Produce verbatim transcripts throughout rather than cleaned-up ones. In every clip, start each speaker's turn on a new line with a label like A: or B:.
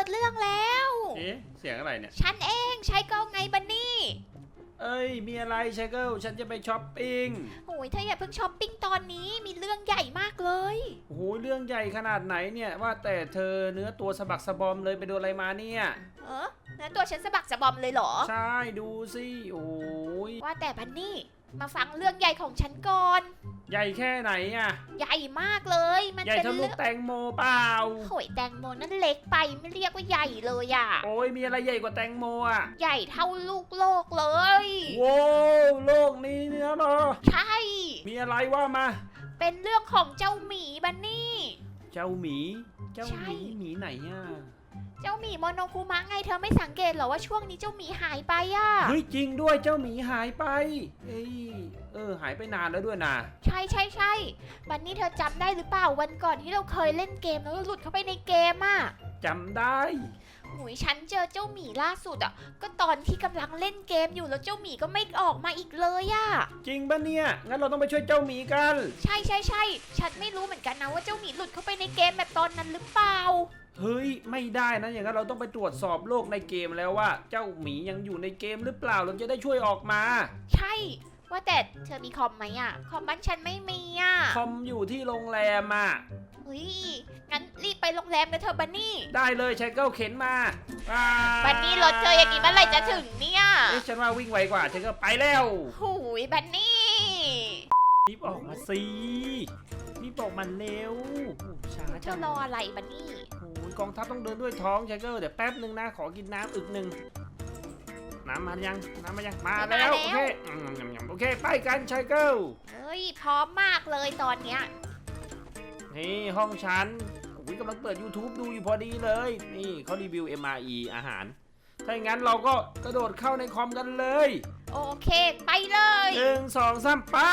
A: ดเรื่องแล้ว
B: เอ๊ะเสียงอะไรเนี่ย
A: ฉันเองใช้ก็ไงบันนี่
B: เอ้ยมีอะไรไชเกิลฉันจะไปช้อปปิ้ง
A: โอ้ยเธออย่าเพิ่งช้อปปิ้งตอนนี้มีเรื่องใหญ่มากเลย
B: โอ้โหเรื่องใหญ่ขนาดไหนเนี่ยว่าแต่เธอเนื้อตัวสะบักสะบอมเลยไปโดนอะไรมาเนี่ย
A: เออเนื้อตัวฉันสะบักสะบอมเลยเหรอ
B: ใช่ดูสิโอ้ย
A: ว่าแต่บันนี่มาฟังเรื่องใหญ่ของฉันก่อน
B: ใหญ่แค่ไหนอ่ะ
A: ใหญ่มากเลย
B: มันใหญ่เท่าลูกแตงโมเปล่า
A: โอ้ยแตงโมนั่นเล็กไปไม่เรียกว่าใหญ่เลยอ่ะ
B: โอ้ยมีอะไรใหญ่กว่าแตงโมอ่ะ
A: ใหญ่เท่าลูกโลกเลย
B: โว้โลกนี้เนี่ยเหรอ
A: ใช่
B: มีอะไรว่ามา
A: เป็นเรื่องของเจ้าหมีบันนี่
B: เจ้าหมีเจ้าหมีหมีไหนอ่ะ
A: เจ้าหมีโมโนคุมะไงเธอไม่สังเกตเหรอว่าช่วงนี้เจ้าหมีหายไปอ่ะ
B: เฮ้ยจริงด้วยเจ้าหมีหายไปเอ้ยเออหายไปนานแล้วด้วยนะ
A: ใช่ใช่ใช่วันนี้เธอจำได้หรือเปล่าวันก่อนที่เราเคยเล่นเกมแล้วหลุดเข้าไปในเกมอ่ะ
B: จำได้
A: หุยฉันเจอเจ้าหมีล่าสุดอ่ะก็ตอนที่กำลังเล่นเกมอยู่แล้วเจ้าหมีก็ไม่ออกมาอีกเลยอ่ะ
B: จริงปะเนี่ยงั้นเราต้องไปช่วยเจ้าหมีกัน
A: ใช่ใช่ใช่ฉันไม่รู้เหมือนกันนะว่าเจ้าหมีหลุดเข้าไปในเกมแบบตอนนั้นหรือเปล่า
B: เฮ้ยไม่ได้นะอย่างนั้นเราต้องไปตรวจสอบโลกในเกมแล้วว่าเจ้าหมียังอยู่ในเกมหรือเปล่าเราจะได้ช่วยออกมา
A: ใช่ว่าแต่เธอมีคอมไหมอ่ะคอมบ้านฉันไม่มีอ่ะ
B: คอมอยู่ที่โรงแรมอ่ะ
A: เฮ้ยงั้นรีบไปโรงแรมกันเถอะบันนี่
B: ได้เลยชายเก้าเข็นมา
A: บันนี่รถเธออย่างนี้เมื่อไหร่จะถึงเนี่ย
B: เอ๊ะฉันว่าวิ่งไวกว่าชายเก้าไปแล้ว
A: หูยบันนี่
B: รีบออกมาสิรีบออกมาเร็วช้า
A: เธอรออะไรบันนี่
B: โอ้ยกองทัพต้องเดินด้วยท้องชายเก้าเดี๋ยวแป๊บนึงนะขอกินน้ำอึกหนึ่งน้ำมายังน้ำมายังมาแล้วโอเคโอเคไปกันชายเก้า
A: เฮ้ยพร้อมมากเลยตอนเนี้ย
B: นี่ห้องฉันอุ้ยกำลังเปิด ยูทูบ ดูอยู่พอดีเลยนี่เขารีวิว เอ็ม อาร์ อี อาหารถ้าอย่างนั้นเราก็กระโดดเข้าในคอมกันเลย
A: โอเคไปเลย
B: หนึ่งสองสามไป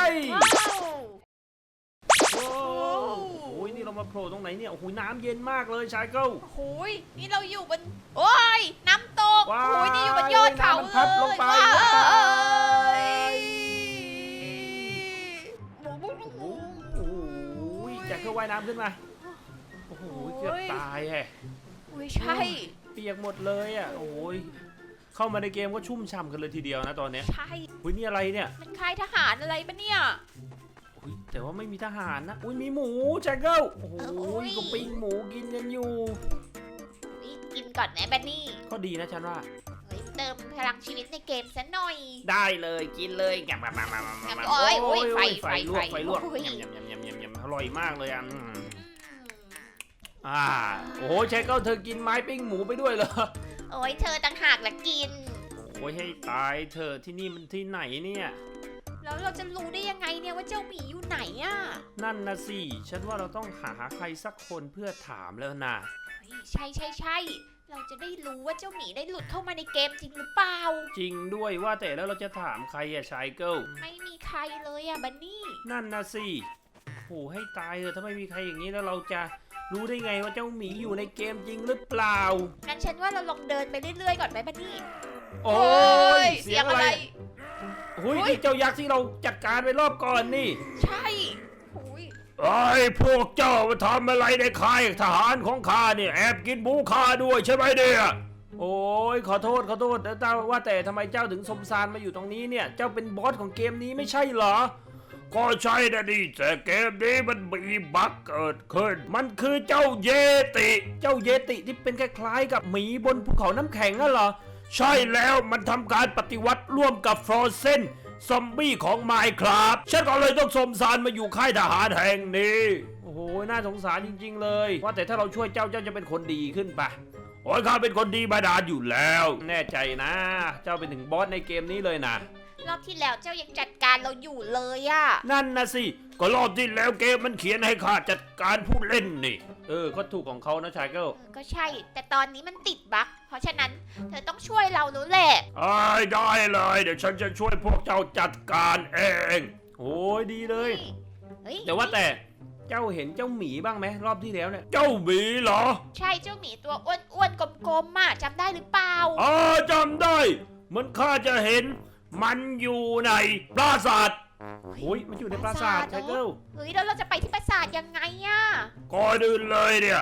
A: โอ้
B: โหนี่เรามาโผล่ตรงไหนเนี่ยโอ้โหน้ำเย็นมากเลยชายเก้า
A: โอ้ยนี่เราอยู่บนโอ้ยน้ำตกโอ้ยนี่อยู่บนยอดเขาเลย
B: พัดลงไปอยากเข้าว่ายน้ำขึ้นมาโอ้โหเกือบตายแฮะ
A: อุ้ยใช่
B: เปียกหมดเลยอ่ะโอ้ยเข้ามาในเกมก็ชุ่มฉ่ำกันเลยทีเดียวนะตอนนี้
A: ใช่
B: อุ้ยนี่อะไรเนี่ย
A: มันค่ายทหารอะไรปะเนี่ย
B: อุ้ยแต่ว่าไม่มีทหารนะอุ้ยมีหมูแจ็คเกิลโอ้โหก็ปิ้งหมูกินกันอยู่
A: กินก่อนนะบันนี่
B: ก็ดีนะฉันว่า
A: เติมพลังชีวิตในเกมซะหน่อย
B: ได้เลยกินเลยยำมามามามามา
A: โอ้ยโอ้ยไฟไฟ
B: ลวกไฟลวกยำยำยำยำยำยำอร่อยมากเลยอ่ะอ่าโอ้ยแจ็คเกิลเธอกินไม้ปิ้งหมูไปด้วยเหรอ
A: โอ้ยเธอต่างหากละกิน
B: โอ้ยให้ตายเธอที่นี่มันที่ไหนเนี่ย
A: แล้วเราจะรู้ได้ยังไงเนี่ยว่าเจ้าหมีอยู่ไหนอ่ะ
B: นั่นนะสิฉันว่าเราต้องหาใครสักคนเพื่อถามแล้วนะ
A: ใช่ใช่ใช่เราจะได้รู้ว่าเจ้าหมีได้หลุดเข้ามาในเกมจริงหรือเปล่า
B: จริงด้วยว่าแต่แล้วเราจะถามใครอะชายเกิล
A: ไม่มีใครเลยอะบันนี่
B: นั่นนะสิโอ้ให้ตายเถอะถ้าไม่มีใครอย่างนี้แล้วเราจะรู้ได้ไงว่าเจ้าหมีอยู่ในเกมจริงหรือเปล่า
A: งั้นฉันว่าเราลองเดินไปเรื่อยๆก่อนไหมบันนี่
B: โอ้ยเสียงอะไรโอ้ยเจ้ายักษ์ที่เราจัดการไปรอบก่อนนี่
A: ใช่
B: ไอ้พวกเจ้ามาทำอะไรในค่ายทหารของข้าเนี่ยแอบกินหมูข้าด้วยใช่ไหมเนี่ยโอ้ยขอโทษขอโทษแต่เจ้าว่าแต่ทำไมเจ้าถึงสมสารมาอยู่ตรงนี้เนี่ยเจ้าเป็นบอสของเกมนี้ไม่ใช่เหรอก็ใช่นะดิแต่เกมนี้มันมีบั๊กเกิดขึ้นมันคือเจ้าเยติเจ้าเยติที่เป็นคล้ายๆกับหมีบนภูเขาน้ำแข็งน่ะเหรอใช่แล้วมันทำการปฏิวัติร่วมกับฟรอเซนซอมบี้ของไมน์ครับฉันก็เลยต้องสมสารมาอยู่ค่ายทหารแห่งนี้โอ้โหน่าสงสารจริงๆเลยว่าแต่ถ้าเราช่วยเจ้าเจ้าจะเป็นคนดีขึ้นปะโอ้ยข้าเป็นคนดีมาดานอยู่แล้วแน่ใจนะเจ้าเป็นถึงบอสในเกมนี้เลยนะ
A: รอบที่แล้วเจ้ายังจัดการเราอยู่เลยอะ
B: นั่นนะสิก็รอบที่แล้วเกมมันเขียนให้ข้าจัดการผู้เล่นนี่เออก็ถูกของเขานะชายเกิล
A: ก็ใช่แต่ตอนนี้มันติดบั๊กเพราะฉะนั้นเธอต้องช่วยเราแล้วแหละ
B: ได้เลยเดี๋ยวฉันจะช่วยพวกเจ้าจัดการเองโอ้ยดีเลยเดี๋ยวว่าแต่เจ้าเห็นเจ้าหมีบ้างไหมรอบที่แล้วเนี่ยเจ้าหมีเหรอ
A: ใช่เจ้าหมีตัวอ้วนๆกลมๆอ่ะจำได้หรือเปล่า
B: อ๋อจำได้มันข้าจะเห็นมันอยู่ในปราสาทโอ้ยมันอยู่ในปราสาทชายเกิล
A: เฮ้ยแล้วเราจะไปที่ปราสาทยังไงอะ
B: ก่อนอื่นเลยเนี่ย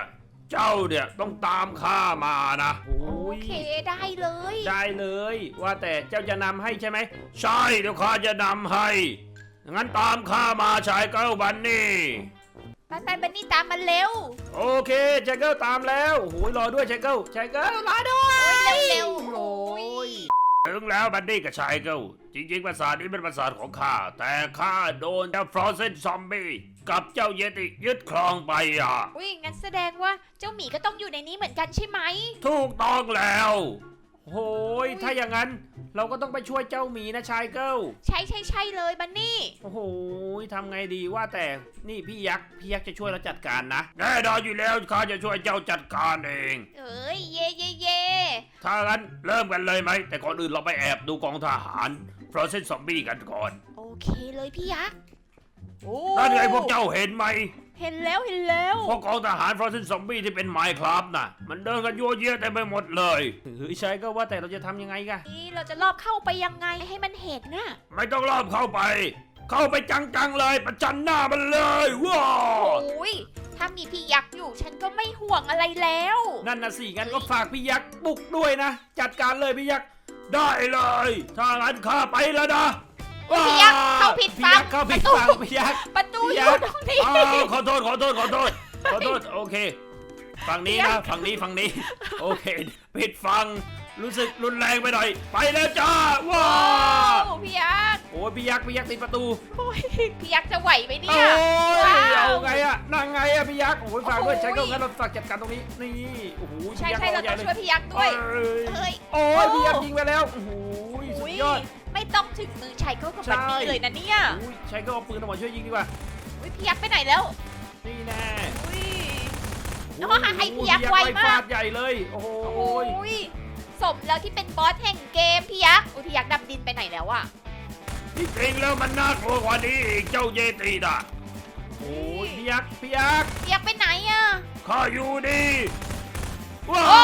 B: เจ้าเนี่ยต้องตามข้ามานะโอ้
A: โอย เคได้เลย
B: ได้เลย ว่าแต่เจ้าจะนำให้ใช่ไหมใช่เดี๋ยวข้าจะนำให้งั้นตามข้ามาชายเก้าบันนี่
A: ไปไปบันนี่ตามมาเร็ว
B: โอเคชายเก้าตามแล้วโอ้ยรอด้วยชายเก้าชายเก้ารอด้วย
A: โอ้ยเร็วเร็วๆ
B: โอ้
A: โอ้
B: ย
A: ย
B: ถึงแล้วบันนี่กับชายเก้าจริงๆปราสาทนี้เป็นปราสาทของข้าแต่ข้าโดนเจ้าฟรอเซนซอมบี้กับเจ้าเยติยึดครองไปอ่ะ
A: อุ้ยงั้นแสดงว่าเจ้าหมีก็ต้องอยู่ในนี้เหมือนกันใช่ไหม
B: ถูกต้องแล้วโหยถ้าอย่างนั้นเราก็ต้องไปช่วยเจ้าหมีนะชายเก้า
A: ใช่ใช่ใช่เลยบันนี่
B: โอ้โหทำไงดีว่าแต่นี่พี่ยักษ์พี่ยักษ์จะช่วยเราจัดการนะแน่นอนอยู่แล้วข้าจะช่วยเจ้าจัดการเอง
A: เอ้ยเย่เย่เย่
B: ถ้างั้นเริ่มกันเลยไหมแต่ก่อนอื่นเราไปแอบดูกองทหารฟรอเซนซอมบี้กันก่อน
A: โอเคเลยพี่ยักษ์โอ้
B: นั่นไงพวกเจ้าเห็นไหม
A: เห็นแล้วเห็นแล้ว
B: พวกกองทหารฟรอเซนซอมบี้ที่เป็นไมค์ครับน่ะมันเดินกันยั่วเยี่ยเต็มไปหมดเลยเฮ้ยใช่ก็ว่าแต่เราจะทำยังไงกัน
A: นี่เราจะลอบเข้าไปยังไงให้มันเห็นน่ะ
B: ไม่ต้องรอบเข้าไป เข้าไปจังๆเลยประจันหน้ามันเลยว้าว
A: โอ้ยถ้ามีพี่ยักษ์อยู่ฉันก็ไม่ห่วงอะไรแล้ว
B: นั่นนะสิงั้นก็ฝากพี่ยักษ์บุกด้วยนะ จัดการเลยพี่ยักษ์ได้เลย ถ้างั้นข้าไปแล้วนะ
A: พี่ยักษ์เข้าผิด
B: พี่
A: ฝั่
B: ยั
A: ง
B: กษ์เข้าผิด
A: ประตู
B: ฝั่งพี่ยักษ์
A: ประตู
B: พี่
A: อ
B: ยั
A: ยู่
B: กษ์
A: ตรงนี้
B: อ้าวขอโทษขอโทษขอโทษขอโทษโอเคฝั่งนี้
A: พี่ยั
B: นะ
A: กษ์
B: ฝั่งนี้ฝั่งนี้โอเคผิดฝั่งรู้สึกรุนแรงไปหน่อย ไปแล้วจ้าว้า
A: โอ้พี่ยักษ์
B: โอ้ยพี่ยักษ์พี่ยักษ์ติดประตู
A: โอ้ยพี่ยักษ์จะไหวไหมเนี่
B: โอ้
A: ย
B: ย
A: ว้าว
B: เอาไงอะนั่งไงอะพี่ยักษ์โอ้ยฝากด้วย
A: โอ้โห
B: ใช้ก็งั้นเราฝากจัดการตรงนี้นี่โอ้โห
A: ใช่
B: พี่ยักษ์
A: ใช่เรา
B: ใหญ่
A: ต้อง
B: เลย
A: ช่วยพี่ยักษ์ด้วย
B: เอ้ย
A: เอ้ย
B: โอ้ยพี่ยักษ์ยิงไปแล้วโอ้โหสุดยอด
A: ไม่ต้องถึงมือชัยเขากับ
B: ใช่
A: บันนี่เลยนะเนี่ย
B: อุ้ยใช้ก็เอาปืนออกมาช่วยยิงดีกว่า
A: อุ้ยพี่ยักษ์ไปไหนแล้ว
B: นี่แน่
A: อุ้ย
B: โอ้
A: แล้วก็หาไอ้พี่ยักษ์ไวมาก
B: ฟาดใหญ่เลยโอ้โห
A: โอ้ยสมแล้วที่เป็นบอสแห่งเกมพี่ยักษ์อุ้ยพี่ยักษ์ดำดินไปไหนแล้วอะ
B: ที่จริงแล้วมันน่ากลัวกว่านี้อีกเจ้าเยติน่ะโอ้ยพี่ยักษ์พี่ยักษ์
A: พี่ยักษ์ไปไหนอะ
B: ข้าอยู่ดีว้า
A: โอ้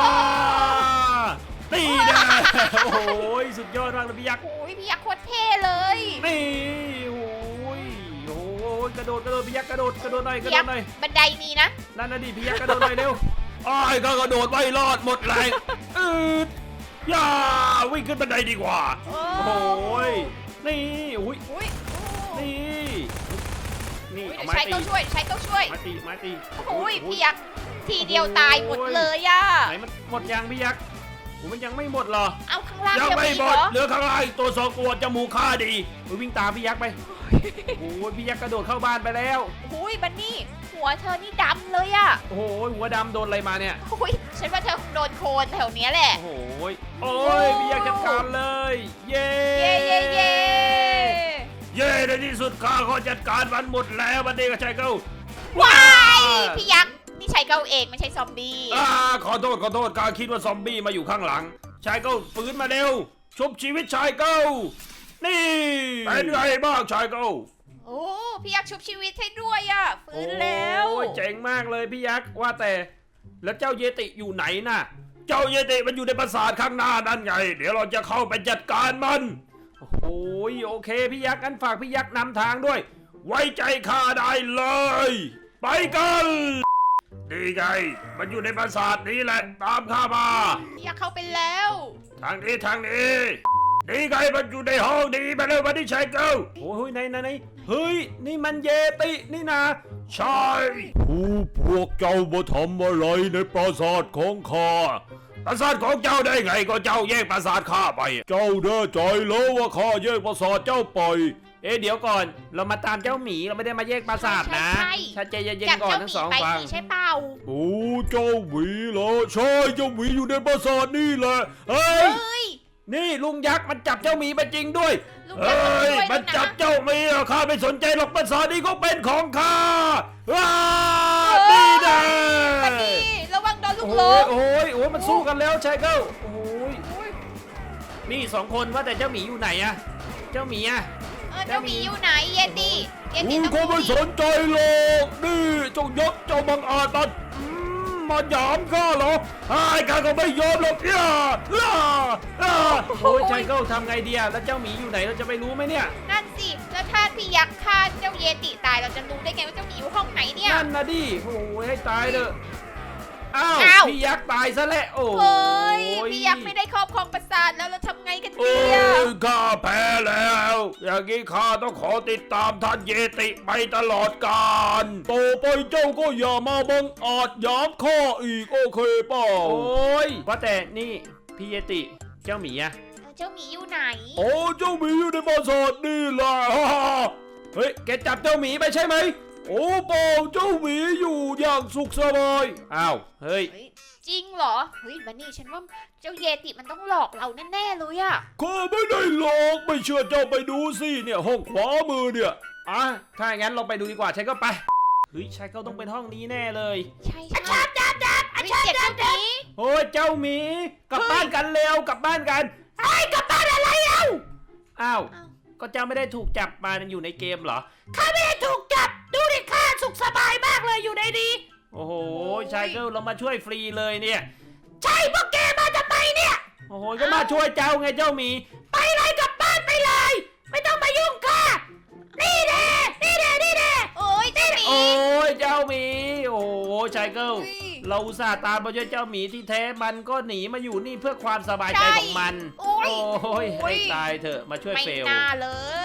B: ตีแน่โอ้โหสุดยอดมากเลยพี่ยักษ์
A: โอ้ยพี่ยักษ์โคตรเท่เลย
B: นี่โอ้ยโอ้ยกระโดดกระโดดพี่ยักษ์กระโดดกระโดดหน่อยกระ
A: พี่
B: โด
A: ยั
B: ด
A: กษ์
B: หน่อย
A: บันไดมีนะ
B: นั่นนะดิพี่ยักษ์กระโดดหน่อยเร็วอ้ายก็กระโดดไม่รอดหมดแรงอืดย่าวิ่งขึ้นบันไดดีกว่า
A: โอ้
B: โอ้ยนี่อุ้ย
A: อุ้ย
B: นี่นี่
A: อุ้ย
B: เอา
A: เดี๋ยว
B: ไม้
A: ใช้
B: ตี
A: ต้องช่วยใช้ต้องช่วย
B: ไม้ตีไม้ตี
A: โอ้ยพี่ยักษ์ทีเดียวตายหมดเลยอะ
B: ไหนมันหมดยังพี่ยักษ์โอ้มันยังไม่หมดเหรอ
A: เอาข้างล่าง
B: ยัง
A: จะ
B: ไม่
A: มี
B: หม
A: เหร
B: ด
A: อ
B: เหลือข้างล่างอีกตัวสองตัวจมูกข้าดีเฮ้ยวิ่งตามพี่ยักษ์ไปโอ้ยพี่ยักษ์กระโดดเข้าบ้านไปแล้ว
A: โอ้ยบันนี่หัวเธอนี่ดำเลยอะ
B: โอ้โหหัวดำโดนอะไรมาเนี่ย
A: โอ้ยฉันว่าเธอคงโดนโคลนแถวเนี้ยแหละ
B: โอ้โหโอ้ยพี่ยักษ์จัดการเลย เย้
A: เย่เย่เย่
B: เย้ในที่สุดข้าก็จัดการมันหมดแล้วบันนี้ก็ใช่เก้า
A: ว้ายพี่ยักษ์นี่ใช้เก้าเองไม่ใช่ซอมบี้
B: อ่าขอโทษขอโทษข้าคิดว่าซอมบี้มาอยู่ข้างหลังชายเก้าฟื้นมาเร็วชุบชีวิตชายเก้านี่เป็นไงบ้างชายเก้า
A: โอ้พี่ยักษ์ชุบชีวิตให้ด้วยอะฟื้นแล้ว
B: โอ้ยเจ๋งมากเลยพี่ยักษ์ว่าแต่แล้วเจ้าเยติอยู่ไหนน่ะ เจ้าเยติมันอยู่ในปราสาทข้างหน้านั่นไง เดี๋ยวเราจะเข้าไปจัดการมันโอ้ยโอเคพี่ยักษ์งั้นฝากพี่ยักษ์นำทางด้วย ไว้ใจข้าได้เลย ไปกันดีไงมันอยู่ในปราสาทนี้แหละตามข้ามา
A: พี่ยักษ์เข้าไปแล้ว
B: ทางนี้ทางนี้นี่ไงมันอยู่ในห้องนี้มาเลยวันนี้ชายเก้าโอ้ยไหนไหนไหนเฮ้ยนี่มันเยตินี่นะใช่ผู้พวกเจ้ามาทำอะไรในปราสาทของข้าปราสาทของเจ้าได้ไงก็เจ้าแยกปราสาทข้าไป เจ้าแน่ใจแล้วว่าข้าแยกปราสาทเจ้าไปเอ๊ะเดี๋ยวก่อนเรามาตามเจ้าหมีเราไม่ได้มาแยกปราสาทนะถ้าใจเย็น
A: จับ
B: ๆก่อน
A: เจ้าห
B: ทั้ง
A: มี
B: สอง
A: ไป
B: ฝั่ง
A: นี่ใช่เปล่า
B: โอ้เจ้าหมีเหรอใช่เจ้าหมีอยู่ในปราสาทนี่แหละเฮ้ย
A: เฮ้ย
B: นี่ลุงยักษ์มันจับเจ้าหมีไปจริงด้วย
A: ลุง
B: เฮ้
A: ยักษ์
B: ย
A: ด้วย
B: มัน
A: ด้วย
B: จับ
A: นะ
B: เจ้าหมีอะข้าไม่สนใจหรอกปราสาทนี้ก็เป็นของข้าว้านี่แน่
A: บันนี่ระวังโดนลูกหล
B: โอ้ย
A: ง
B: โอ้ยโอ้ยมันสู้กันแล้วชายเก้าโอ้ยนี่สองคนว่าแต่เจ้าหมีอยู่ไหนอะเจ้าหมีอะ
A: เออเจ้าหมีอยู่ไหนเยติเยติ
B: กู
A: ต้อง
B: ก็ไม่สนใจหรอกนี่เจ้ายักษ์เจ้าบังอาจตัดอืมมาหยามข้าเหรอไอ้ข้าก็ไม่ยอมหรอกย่าย่าย่าโอ้ยชายเก้าทำไงดีอะแล้วเจ้าหมีอยู่ไหนเราจะไปรู้ไหมเนี่ย
A: นั่นสิแล้วถ้าพี่ยักษ์ฆ่าเจ้าเยติตายเราจะรู้ได้ไงว่าเจ้าหมีอยู่ห้องไหนเนี่ย
B: นั่นนะดิโอ้ยให้ตายเถอะอ้าว
A: อ้าว
B: พี่ยักษ์ตายซะแล้วโอ้
A: เฮ้ยพี่ยักษ์ไม่ได้ครอบครองปราสาทแล้วเราทำไงกัน
B: โอ้
A: เนี่ย
B: ยข้าแพ้แล้ว อย่างนี้ข้าต้องขอติดตามท่านเยติไปตลอดกาลต่อไปเจ้าก็อย่ามาบังอาจหยามข้าอีกโอเคเปล่าโอ้ยว่าแต่นี่พี่เยติเจ้าหมีอะ
A: เจ้าหมีอยู่ไหน
B: โอ้เจ้าหมีอยู่ในปราสาทนี่แหละเฮ้ยแกจับเจ้าหมีไปใช่ไหมโอ้เปล่าเจ้าหมีอยู่อย่างสุขสบายอ้าวเฮ้ย
A: เฮ้ยจริงเหรอเฮ้ยบันนี่ฉันว่าเจ้าเยติมันต้องหลอกเราแน่ๆเลยอะ
B: ข้าไม่ได้หลอกไม่เชื่อเจ้าไปดูสิเนี่ยห้องขวามือเนี่ยอ่ะถ้าอย่างนั้นเราไปดูดีกว่าใช่ก็ไปเฮ้ยใช่ก็ต้องเป็นห้องนี้แน่เลย
A: ใช่ใช่จับจับจับเสียงเจ้าหมี
B: โอ้ยเจ้าหมีกลับบ้านกันเร็วกลับบ้านกันไอ้กลับบ้านอะไรเอ้าอ้าวก็เจ้าไม่ได้ถูกจับมาอยู่ในเกมเหรอข้าไม่ได้ถูกจับดูดิข้าสุขสบายมากเลยอยู่ในนี้โอ้โหชายเกิลเรามาช่วยฟรีเลยเนี่ยใช่พวกแกมาทำไมเนี่ยโอ้โหก็มาช่วยเจ้าไงเจ้าหมีไปเลยกลับบ้านไปเลยไม่ต้องมายุ่งข้านี่แน่นี่แน่นี่แน่
A: โอ้ยเจ้าหมี
B: โอ้ยเจ้าหมีโอ้โหชายเกิล
A: อุ๊ย
B: เราอุตส่าห์ตามมาช่วยเจ้าหมีที่แท้มันก็หนีมาอยู่นี่เพื่อความสบายใจของมัน
A: โอ้ย
B: โอ้ย
A: โอ้ย
B: ให้ตายเถอะมาช่วย
A: ไม่
B: เฟล
A: น่าเลย